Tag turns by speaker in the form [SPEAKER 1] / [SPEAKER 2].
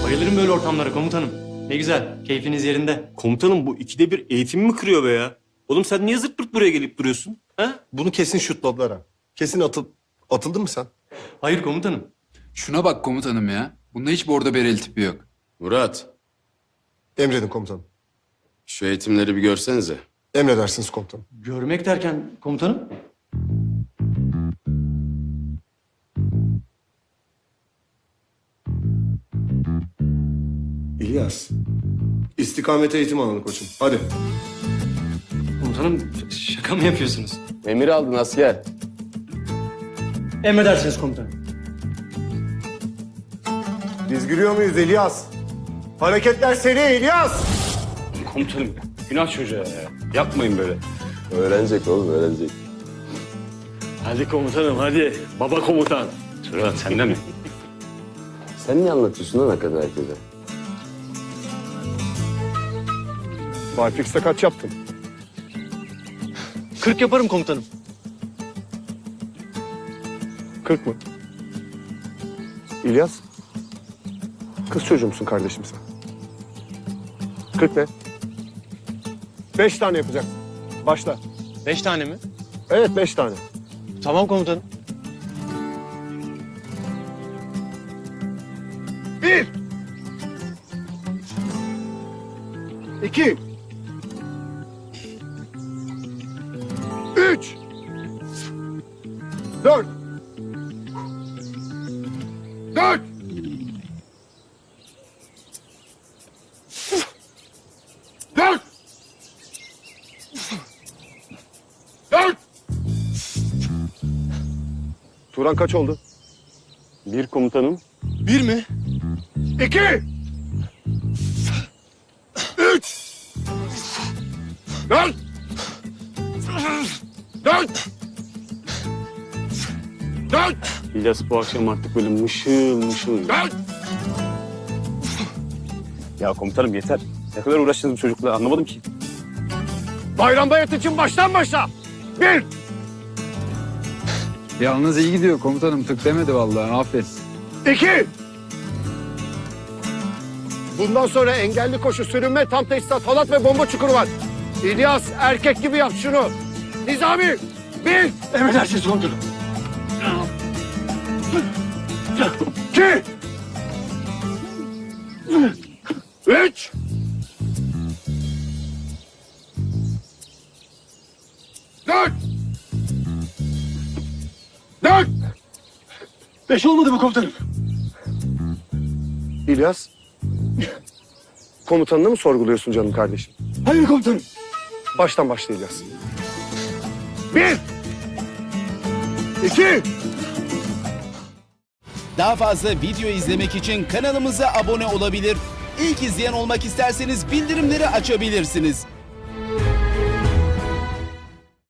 [SPEAKER 1] Bayılırım böyle ortamlara komutanım. Ne güzel, keyfiniz yerinde.
[SPEAKER 2] Komutanım bu ikide bir eğitimi mi kırıyor be ya? Oğlum sen niye zırt pırt buraya gelip duruyorsun? Ha?
[SPEAKER 3] Bunu kesin şutladılar ha. Kesin atıldın mı sen?
[SPEAKER 1] Hayır komutanım.
[SPEAKER 4] Şuna bak komutanım ya. Bunda hiç bordo bereli tipi yok.
[SPEAKER 5] Murat,
[SPEAKER 3] Emredin komutanım.
[SPEAKER 5] şu eğitimleri bir görsenize.
[SPEAKER 3] Emredersiniz komutanım.
[SPEAKER 1] Görmek derken komutanım?
[SPEAKER 3] İlyas. İstikamet eğitim alanı koçum. Hadi.
[SPEAKER 1] Komutanım şaka mı yapıyorsunuz?
[SPEAKER 5] Emir aldın asker.
[SPEAKER 1] Emredersiniz komutanım.
[SPEAKER 3] Biz gülüyor muyuz İlyas? Hareketler seri İlyas.
[SPEAKER 2] Komutanım günah çocuğa ya. Yapmayın böyle.
[SPEAKER 5] Öğrenecek oğlum, öğrenecek.
[SPEAKER 2] Hadi komutanım hadi. Baba komutan. Sıra sende mi?
[SPEAKER 5] Sen niye anlatıyorsun lan hakikaten herkese?
[SPEAKER 3] Barfix'te kaç yaptın?
[SPEAKER 1] 40 yaparım komutanım.
[SPEAKER 3] 40 mı? İlyas. Kız çocuğu musun kardeşim sen? 40 ne? 5 tane yapacaksın. Başla.
[SPEAKER 1] 5 tane mi?
[SPEAKER 3] Evet 5 tane.
[SPEAKER 1] Tamam komutanım.
[SPEAKER 3] 1 2 3 4 4 4 4 Turan kaç oldu?
[SPEAKER 2] Bir komutanım.
[SPEAKER 1] 1 mi?
[SPEAKER 3] 2 3 4 4 4
[SPEAKER 2] İlyas bu akşam artık böyle mışıl mışıl.
[SPEAKER 3] 4
[SPEAKER 2] Ya komutanım yeter. Ne kadar uğraştınız bu çocukla anlamadım ki.
[SPEAKER 3] Bayram bayat için baştan başla. 1
[SPEAKER 4] Yalnız iyi gidiyor komutanım. Tık demedi vallahi. Aferin.
[SPEAKER 3] 2 Bundan sonra engelli koşu, sürünme, tam teçhizat, halat ve bomba çukuru var. İlyas erkek gibi yap şunu. Nizami 1
[SPEAKER 1] Emredersiniz komutanım.
[SPEAKER 3] 2 3 4 4
[SPEAKER 1] 5 olmadı mı komutanım?
[SPEAKER 3] İlyas, komutanını mı sorguluyorsun canım kardeşim?
[SPEAKER 1] Hayır komutanım.
[SPEAKER 3] Baştan başla İlyas. 1 2
[SPEAKER 6] Daha fazla video izlemek için kanalımıza abone olabilir. İlk izleyen olmak isterseniz bildirimleri açabilirsiniz.